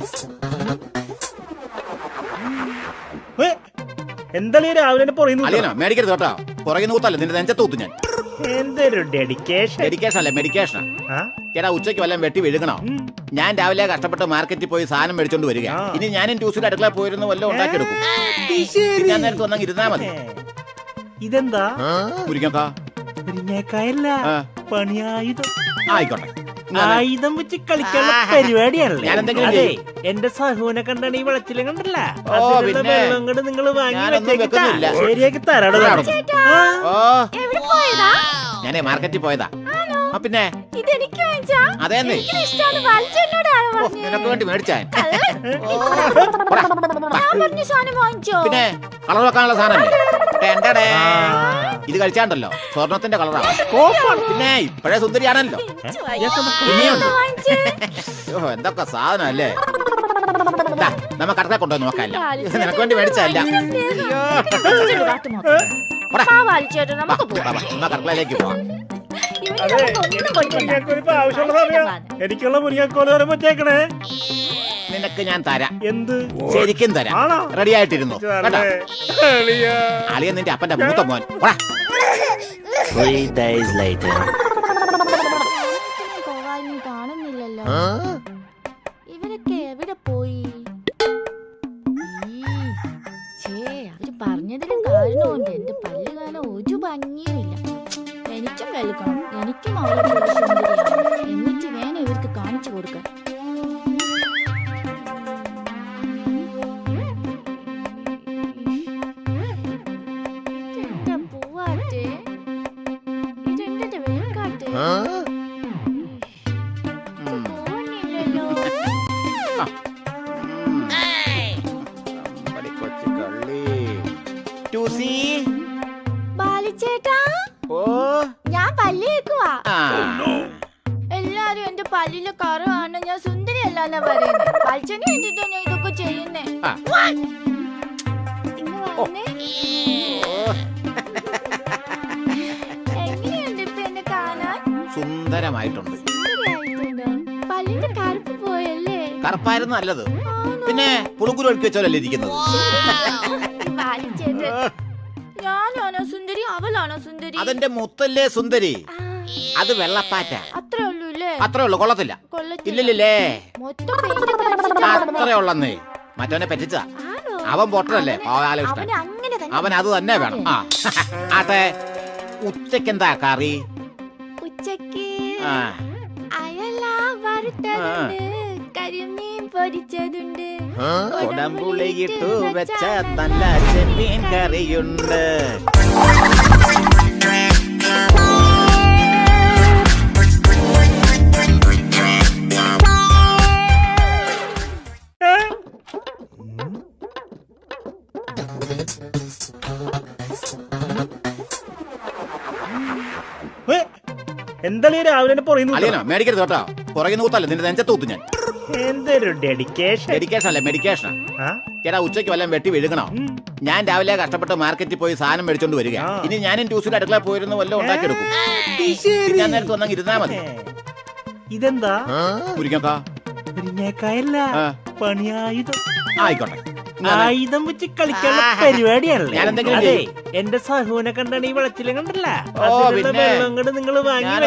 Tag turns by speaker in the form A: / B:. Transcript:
A: എന്തായാലും രാവിലെ
B: മേടിക്കരുത് കേട്ടോ. പുറകെ നൂത്തല്ല നിന്റെ നെഞ്ചത്തൂത്ത് ഞാൻ.
A: എന്തൊരു ഡെഡിക്കേഷൻ.
B: ഡെഡിക്കേഷൻ അല്ലേ, മെഡിക്കേഷനാ. ചേട്ടാ ഉച്ചയ്ക്ക് വല്ലതും വെട്ടി വിഴുകണോ? ഞാൻ രാവിലെ കഷ്ടപ്പെട്ട് മാർക്കറ്റിൽ പോയി സാധനം മേടിച്ചോണ്ട് വരിക. ഇനി ഞാനും ട്യൂസിൽ അടുക്കള പോയിരുന്നു വല്ലതും ഉണ്ടാക്കിയെടുക്കും. ഞാൻ നേരത്തെ വന്നാൽ ഇരുന്നാ മതി.
A: ഇതെന്താ?
B: മുരിങ്ങക്കാ.
A: മുരിങ്ങക്കായല്ല, പണിയായുധം.
B: ആയിക്കോട്ടെ,
A: ആയുധം വെച്ച് കളിക്കാനുള്ള പരിപാടിയാണല്ലേ.
B: അതെ,
A: എന്റെ സഹുവിനെ കണ്ടാണ് ഈ വെള്ളച്ചിലും കണ്ടല്ല. വെള്ളം കൊണ്ട് നിങ്ങൾ വാങ്ങി ശരിയാക്കി തരാടോ.
B: ഞാനേ മാർക്കറ്റിൽ പോയതാ. പിന്നെ അതെ, നിനക്ക് വേണ്ടി മേടിച്ചാ. പിന്നെ കളർ വെക്കാനുള്ള സാധനം ഇത് കഴിച്ചാണ്ടല്ലോ സ്വർണത്തിന്റെ കളറാണ്. പിന്നെ ഇപ്പഴേ സുന്ദരിയാണല്ലോ. എന്തൊക്കെ സാധനം അല്ലേ. നമ്മ കടക്കെ കൊണ്ടുവന്ന് നോക്കാല്ല. നിനക്ക് വേണ്ടി മേടിച്ചല്ല. കടക്കളയിലേക്ക് പോവാം.
A: എനിക്കുള്ള മുരിങ്ങക്കോല് വരുമ്പോഴത്തേക്കണേ
B: നിനക്ക് ഞാൻ തരാം.
A: എന്ത്?
B: ശരിക്കും തരാം. റെഡി ആയിട്ടിരുന്നു. അളിയൻ നിന്റെ അപ്പന്റെ മൂത്ത മോൻ.
A: 3 days later.
C: കാണുന്നില്ലല്ലോ. ഇവരൊക്കെ എവിടെ പോയി? അവര് പറഞ്ഞതിലും കാരണമുണ്ട്. എന്റെ പല്ല് കാണാൻ ഒരു ഭംഗിയുമില്ല. എനിക്കും വെളുക്കണം, എനിക്കും അവളെ എന്നിട്ട് വേണം ഇവർക്ക് കാണിച്ചു കൊടുക്കാൻ. ഇതെന്താ പൂവാട്ടെ? ഇതെന്താ വെളുക്കാട്ടെ? പോകുന്നില്ലല്ലോ. ബാലിച്ചേട്ടാ, ഞാൻ പല്ല് കേക്കുവാ. എല്ലാരും എന്റെ പല്ലിലെ കറവാണ്, ഞാൻ സുന്ദരിയല്ലാന്നാ പറയുന്നത്. ബാലിച്ചേട്ടന് വേണ്ടിട്ടാ ഞാൻ ഇതൊക്കെ ചെയ്യുന്നേ. എങ്ങനെയുണ്ട് ഇപ്പൊ എന്നെ കാണാൻ?
B: സുന്ദരമായിട്ടുണ്ട്.
C: പല്ലിന്റെ കറുപ്പ് പോയല്ലേ?
B: കറുപ്പായിരുന്നു നല്ലത്. പിന്നെ പുളുങ്കുരു ഒഴുക്കി വെച്ചോലല്ലേ ഇരിക്കുന്നത്.
C: ഞാനാണോ സുന്ദരി, അവളാണോ സുന്ദരി?
B: അതെന്റെ മുത്തല്ലേ സുന്ദരി. അത് വെള്ളപ്പാറ്റ.
C: അത്രേ ഉള്ളൂ അല്ലേ?
B: അത്രേ ഉള്ളു, കൊള്ളത്തില്ല. ഇല്ലല്ലേ, അത്രേ ഉള്ളന്നേ. മറ്റവനെ പറ്റിച്ചതാ. അവൻ പൊട്ടനല്ലേ, അവൻ അത് തന്നെ വേണം. ആട്ടെ, ഉച്ചക്കെന്താ കറി?
C: ഉച്ചക്ക് അയല വറുത്തതുണ്ട്, കരിമീൻ പൊരിച്ചതുണ്ട്,
B: കൊടമ്പുളിയിട്ടു വെച്ച നല്ല ചെമ്മീൻ കറിയുണ്ട്.
A: എന്തായാലും രാവിലെ
B: മേടിക്കരുത് കേട്ടോ. പുറകെ നൂത്തല്ല നിന്റെ നെഞ്ചത്തൂത്ത് ഞാൻ.
A: എന്തൊരു ഡെഡിക്കേഷൻ.
B: ഡെഡിക്കേഷൻ അല്ലേ, മെഡിക്കേഷനാ. ചേട്ടാ ഉച്ചയ്ക്ക് വല്ലതും വെട്ടി വിഴുകണോ? ഞാൻ രാവിലെ കഷ്ടപ്പെട്ട് മാർക്കറ്റിൽ പോയി സാധനം മേടിച്ചോണ്ട് വരിക. ഇനി ഞാനും ട്യൂസിൽ അടുക്കള പോയിരുന്നു വല്ലതും ഉണ്ടാക്കിയെടുക്കും. ഞാൻ നേരത്തെ വന്നാൽ ഇരുന്നാ മതി.
A: ഇതെന്താ?
B: മുരിങ്ങക്കാ.
A: മുരിങ്ങക്കായല്ല, പണിയായുധം.
B: ആയിക്കോട്ടെ,
A: ആയുധം വെച്ച് കളിക്കാനുള്ള പരിപാടിയാണല്ലേ. അതെ, എന്റെ സഹുവിനെ കണ്ടാണ് ഈ വെള്ളച്ചിലും കണ്ടല്ല. വെള്ളം കൊണ്ട് നിങ്ങൾ വാങ്ങി